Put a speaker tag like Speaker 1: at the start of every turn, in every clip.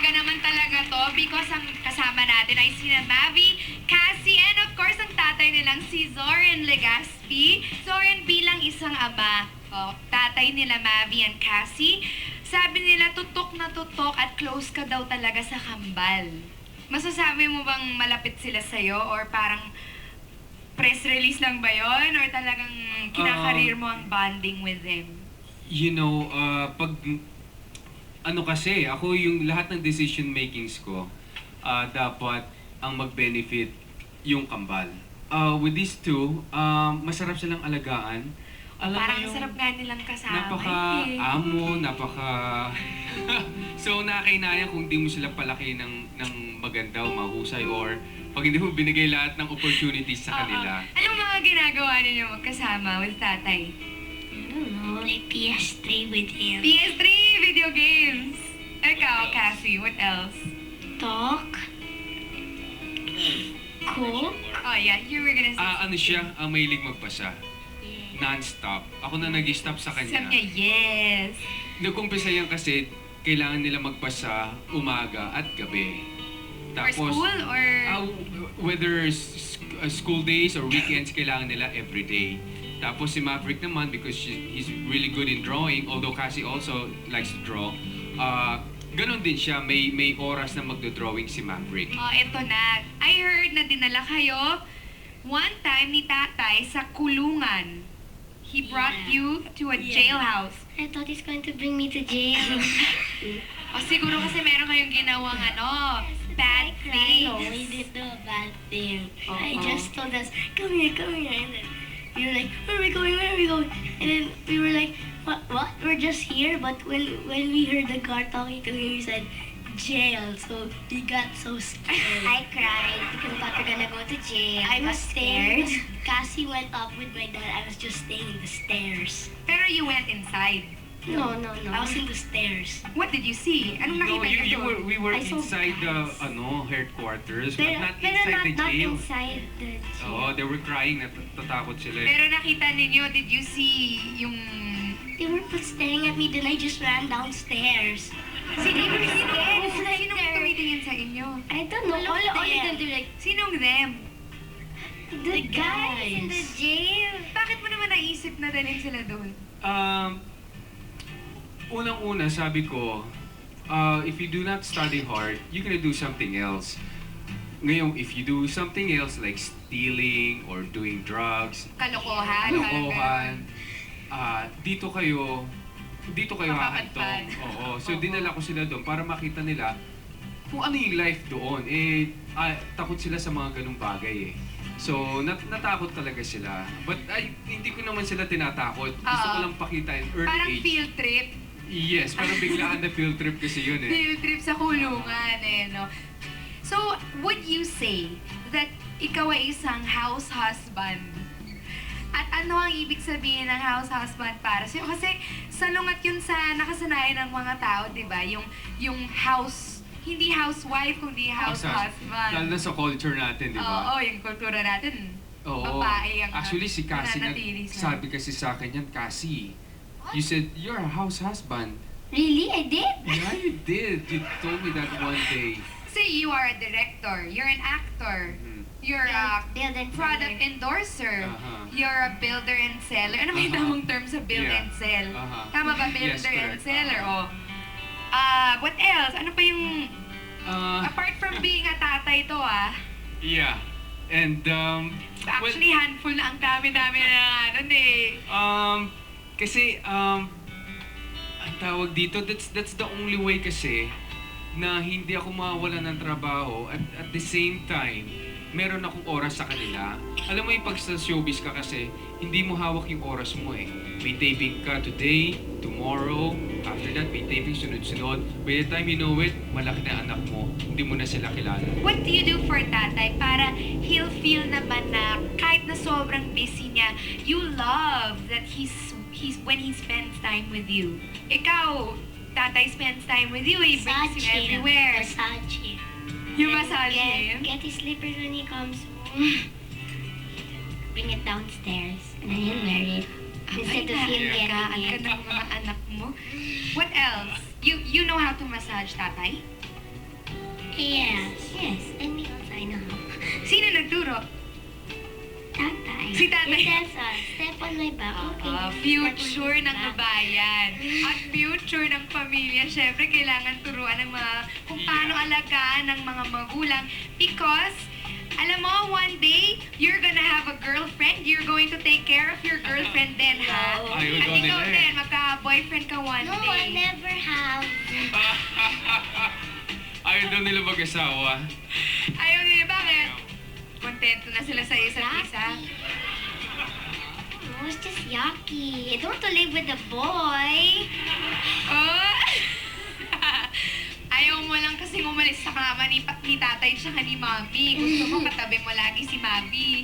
Speaker 1: umaga naman talaga to because ang kasama natin ay sina Mavi, Cassie, and of course ang tatay nilang si Zoren Legaspi. Zoren bilang isang ama, tatay nila Mavi and Cassie, sabi nila tutok na tutok at close ka daw talaga sa kambal. Masasabi mo bang malapit sila sa'yo or parang press release lang ba yon or talagang kinakareer mo ang bonding with them?
Speaker 2: You know, pag ano kasi, ako yung lahat ng decision makings ko, dapat ang mag-benefit yung kambal. With these two, masarap silang alagaan. Alam
Speaker 1: Parang
Speaker 2: mo yung
Speaker 1: sarap nga nilang kasama.
Speaker 2: napaka-amo, so nakakainaya kung di mo sila palaki ng maganda o mahusay or pag hindi mo binigay lahat ng opportunities sa kanila.
Speaker 1: Anong mga ginagawa ninyo magkasama with tatay?
Speaker 3: I don't know, like PS3 with him.
Speaker 1: PS3, video games. Ikaw, Cassie, what else?
Speaker 3: Talk. Cook.
Speaker 1: Oh yeah, you were gonna say.
Speaker 2: Ano siya, mahilig magpasa. Non-stop. Ako na nag-stop sa
Speaker 1: Sabi
Speaker 2: kanya.
Speaker 1: niya, yes.
Speaker 2: Nag-umpisa yan kasi kailangan nila magpasa umaga at gabi.
Speaker 1: For school or?
Speaker 2: Whether school days or weekends, kailangan nila everyday. Tapos si Maverick naman, because he's really good in drawing, although Cassie also likes to draw, ganon din siya, may oras na magdo-drawing si Maverick.
Speaker 1: Oh, eto na. I heard na dinala kayo one time ni tatay sa kulungan. He brought you to a jailhouse.
Speaker 3: I thought he's going to bring me to jail.
Speaker 1: O siguro kasi meron kayong ginawang bad things.
Speaker 3: No, we didn't do a bad thing.
Speaker 1: Oh,
Speaker 3: I just told us, come here, come here. And then we were like, where are we going, where are we going? And then we were like, what? We're just here. But when we heard the guard talking to him, he said, jail. So we got so scared.
Speaker 4: I cried because I thought we were gonna go to jail.
Speaker 3: I was
Speaker 4: upstairs.
Speaker 3: staying. Cassie went up with my dad. I was just staying in the stairs.
Speaker 1: Pero you went inside.
Speaker 3: No. I was in the stairs.
Speaker 1: What did you see? Anong
Speaker 2: No,
Speaker 1: nakita niyo doon?
Speaker 2: we were
Speaker 3: I saw
Speaker 2: inside the
Speaker 3: guys.
Speaker 2: headquarters, but
Speaker 3: Pero,
Speaker 2: not
Speaker 3: pero
Speaker 2: inside
Speaker 3: not,
Speaker 2: the
Speaker 3: not
Speaker 2: jail.
Speaker 3: inside the jail.
Speaker 2: Oo, they were crying, natatakot sila.
Speaker 1: Pero nakita ninyo, did you see yung...
Speaker 3: They were staring at me, then I just ran downstairs.
Speaker 1: Sino yung tumitingin sa inyo?
Speaker 3: I don't know. All you can do, like,
Speaker 1: Sinong them?
Speaker 3: the guys in the jail.
Speaker 1: Bakit mo naman naisip na dalhin sila doon?
Speaker 2: Unang-una, sabi ko, if you do not study hard, you're gonna do something else. Ngayon, if you do something else like stealing or doing drugs, kalokohan, dito kayo hahantong.
Speaker 1: Mapapagpad.
Speaker 2: Oo. So, dinala ko sila doon para makita nila kung ano yung life doon. Takot sila sa mga ganung bagay eh. So, natakot talaga sila. But hindi ko naman sila tinatakot. Gusto ko lang pakita in early
Speaker 1: Parang
Speaker 2: age.
Speaker 1: field trip.
Speaker 2: Yes, parang biglaan na field trip kasi yun eh.
Speaker 1: Field trip sa kulungan no? So, would you say that ikaw ay isang house husband? At ano ang ibig sabihin ng house husband para sa'yo? Kasi salungat yun sa nakasanayan ng mga tao, di ba? Yung house, hindi housewife, kundi house husband.
Speaker 2: Lalo na sa culture natin, di ba?
Speaker 1: Oo, yung kultura natin.
Speaker 2: Oo.
Speaker 1: Babae ang
Speaker 2: Actually, si Cassie,
Speaker 1: nananatili sa-
Speaker 2: sabi kasi sa akin yan, Cassie, you said, you're a house husband.
Speaker 3: Really? I did?
Speaker 2: Yeah, you did. You told me that one day.
Speaker 1: Say you are a director, you're an actor,
Speaker 2: Mhm.
Speaker 1: you're a
Speaker 4: Build and
Speaker 1: product endorser,
Speaker 2: Aha.
Speaker 1: you're a builder and seller. Ano ba yung
Speaker 2: Aha.
Speaker 1: tamang term sa build
Speaker 2: Yeah.
Speaker 1: and sell?
Speaker 2: Aha.
Speaker 1: Tama ba,
Speaker 2: Yes,
Speaker 1: builder and
Speaker 2: correct.
Speaker 1: seller? Oh. What else? Ano pa yung, apart from being a tatay to
Speaker 2: Yeah. And,
Speaker 1: actually handful na ang dami-dami na nun eh.
Speaker 2: kasi, ang tawag dito, that's the only way kasi na hindi ako mawawala ng trabaho at the same time, meron akong oras sa kanila. Alam mo yung pag sa showbiz ka kasi, hindi mo hawak yung oras mo eh. May taping ka today, tomorrow, after that may taping sunod-sunod. By the time you know it, malaki na anak mo, hindi mo na sila kilala.
Speaker 1: What do you do for tatay para he'll feel naman na kahit na sobrang busy niya, you love that he's when he spends time with you? Ikaw, tatay spends time with you, he brings you everywhere.
Speaker 3: Massage him.
Speaker 1: You massage him?
Speaker 3: Get his slippers when he comes home. Bring it downstairs and then he'll wear it. Instead of him getting
Speaker 1: Ang
Speaker 3: it.
Speaker 1: ganda ng mga anak mo. What else? You know how to massage tatay?
Speaker 3: Yes, yes. Because I know.
Speaker 1: Sino nagturo?
Speaker 3: Tatay.
Speaker 1: Si tatay.
Speaker 3: It says, step on my back. Okay.
Speaker 1: Future
Speaker 3: step on
Speaker 1: ng
Speaker 3: my back.
Speaker 1: babayan. At future ng pamilya. Siyempre, kailangan turuan ng mga kung paano alagaan ng mga magulang. Because, alam mo, one day, you're gonna have a girlfriend. You're going to take care of your girlfriend then, ha?
Speaker 3: No.
Speaker 2: Ayaw
Speaker 1: At
Speaker 2: daw
Speaker 1: ikaw
Speaker 2: nila eh.
Speaker 1: din, magka-boyfriend ka one
Speaker 3: No,
Speaker 1: day.
Speaker 3: I never have.
Speaker 2: Ayaw daw nila mag-asawa.
Speaker 1: Ayaw nila, bakit? Kontento na sila sa isa't isa.
Speaker 3: No, it's just yucky. I don't want to live with a boy.
Speaker 1: Oh! Ayaw mo lang kasi umalis sa kama ni tatay tsaka ni mami. Gusto mo katabi mo lagi si mami.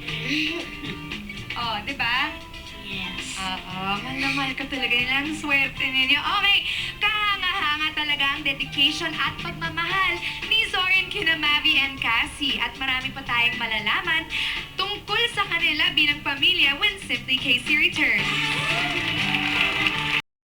Speaker 1: Oh, di ba?
Speaker 3: Yes.
Speaker 1: Oo, mahal na mahal ka talaga nila. Ang swerte ninyo. Okay, kahanga-hanga talaga ang dedication at pagmamahal ni Zorin kina Mavi and Cassie. At marami pa tayong malalaman tungkol sa kanila bilang pamilya when Simply Casey returns.